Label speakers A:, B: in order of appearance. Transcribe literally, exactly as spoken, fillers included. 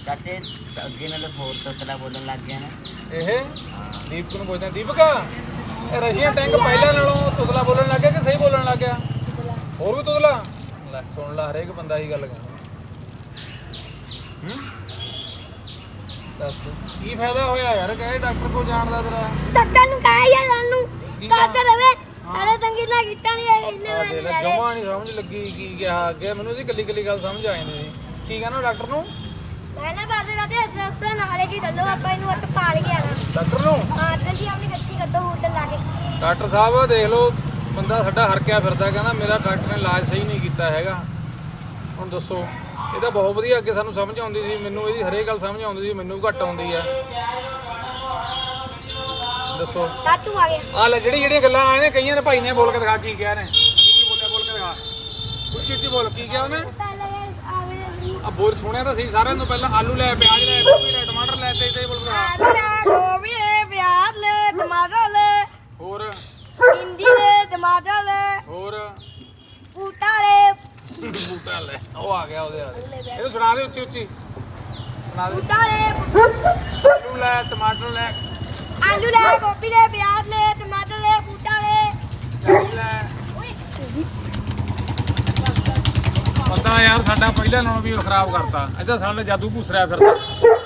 A: ਚਾਚੇ ਅੱਗੇ ਨਾਲ ਹੋਰ ਤਤਲਾ ਬੋਲਣ ਲੱਗ ਗਿਆ ਨਾ
B: ਇਹ ਦੀਪਕ ਨੂੰ ਪੁੱਛਦਾ ਦੀਪਕ ਇਹ ਰਸ਼ੀਅਨ ਟੈਂਕ ਪਹਿਲਾਂ ਨਾਲੋਂ ਤੁਤਲਾ ਬੋਲਣ ਲੱਗ ਗਿਆ ਕਿ ਸਹੀ ਬੋਲਣ ਲੱਗ ਗਿਆ ਹੋਰ ਵੀ ਤੁਤਲਾ ਲੈ ਸੁਣ ਲੈ ਹਰੇਕ ਬੰਦਾ ਹੀ ਗੱਲ ਕਹਿੰਦਾ ਹੂੰ ਦੱਸ ਕੀ ਫਾਇਦਾ ਹੋਇਆ ਯਾਰ ਕਹੇ ਡਾਕਟਰ ਕੋਲ ਜਾਣ ਦਾ ਤੇਰਾ
C: ਡਾਕਟਰ ਨੂੰ ਕਹਾਂ ਯਾਰ ਸਾਨੂੰ ਕਾਦਰ ਰਵੇ ਅਰੇ ਤੰਗੀ ਨਾ ਕੀਤਾ ਨਹੀਂ ਹੈ ਇੰਨੇ
B: ਆ ਦੇ ਲੈ ਜਮਾਂ ਨਹੀਂ ਸਮਝ ਲੱਗੀ ਕੀ ਕਿਹਾ ਅੱਗੇ ਮੈਨੂੰ ਇਹਦੀ ਕੱਲੀ ਕੱਲੀ ਗੱਲ ਸਮਝ ਆ ਜਾਂਦੀ ਸੀ ਕੀ ਕਹਿੰਦਾ ਡਾਕਟਰ ਨੂੰ
C: ਮੈਂ ਨਾ ਬਾਦੇ ਰਾਤੇ ਹਸਪਤਾਲ ਨਾਲੇ ਕੀ ਦੱਲੋ ਆਪਾਂ ਇਹਨੂੰ ਅੱਟ ਪਾਲ ਗਿਆ ਨਾ
B: ਡਾਕਟਰ ਨੂੰ
C: ਹਾਂ ਜੀ ਆਪਣੀ ਗੱਡੀ ਕੱਢੋ ਹੋਟਲ ਲਾ ਕੇ
B: ਡਾਕਟਰ ਸਾਹਿਬ ਦੇਖ ਲਓ ਬੰਦਾ ਸਾਡਾ ਹਰਕਿਆ ਫਿਰਦਾ ਕਹਿੰਦਾ ਮੇਰਾ ਡਾਕਟਰ ਨੇ ਇਲਾਜ ਸਹੀ ਨਹੀਂ ਕੀਤਾ ਹੈਗਾ ਹੁਣ ਦੱਸੋ ਇਹ ਤਾਂ ਬਹੁਤ ਵਧੀਆ ਅੱਗੇ ਸਾਨੂੰ ਸਮਝ ਆਉਂਦੀ ਸੀ ਮੈਨੂੰ ਇਹਦੀ ਹਰੇਕ ਗੱਲ ਸਮਝ ਆਉਂਦੀ ਸੀ ਮੈਨੂੰ ਘੱਟ ਆਉਂਦੀ ਆ ਦੱਸੋ
C: ਟਾਟੂ ਆ ਗਿਆ
B: ਆ ਲੈ ਜਿਹੜੀ ਜਿਹੜੀਆਂ ਗੱਲਾਂ ਆਏ ਨੇ ਕਈਆਂ ਨੇ ਭਾਈ ਨੇ ਬੋਲ ਕੇ ਦਿਖਾ ਕੀ ਕਿਹਾ ਨੇ ਕੀ ਕੀ ਬੋਲਿਆ ਬੋਲ ਕੇ ਦਿਖਾ ਉੱਚੀ ਉੱਚੀ ਬੋਲ ਕੀ ਕਿਹਾ ਉਹਨੇ ਆ ਬੋਲ ਸੁਣਿਆ ਤਾਂ ਸੀ ਸਾਰਿਆਂ ਤੋਂ ਪਹਿਲਾਂ ਆਲੂ ਲੈ ਪਿਆਜ਼ ਲੈ ਗੋਭੀ ਲੈ ਟਮਾਟਰ ਲੈ ਤੇ ਇਦਾਂ ਹੀ ਬੋਲ ਕੇ ਦਿਖਾ
C: ਆਲੂ ਲੈ ਗੋਭੀ ਲੈ ਪਿਆਜ਼ ਲੈ ਟਮਾਟਰ ਲੈ
B: ਹੋਰ
C: ਭਿੰਡੀ ਲੈ ਟਮਾਟਰ ਲੈ
B: ਹੋਰ
C: ਬੂਟਾ ਲੈ
B: ਬੂਟਾ ਲੈ ਉਹ ਆ ਗਿਆ ਉਹਦੇ ਆ ਇਹਨੂੰ ਸੁਣਾ ਦੇ ਉੱਚੀ ਉੱਚੀ ਸੁਣਾ ਦੇ
C: ਬੂਟਾ ਲੈ
B: ਆਲੂ ਲੈ ਟਮਾਟਰ ਲੈ
C: ਆਲੂ ਲੈ ਗੋਭੀ ਲੈ ਪਿਆਜ਼ ਲੈ ਟਮਾਟਰ ਲੈ ਬੂਟਾ ਲੈ
B: ਪਿਆਜ਼ ਲੈ ਪਤਾ ਯਾਰ ਸਾਡਾ ਪਹਿਲਾਂ ਨਾਲੋਂ ਵੀ ਖਰਾਬ ਕਰਤਾ ਇੱਧਰ ਸਾਡੇ ਜਾਦੂ ਭੂਸਰਿਆ ਫਿਰਦਾ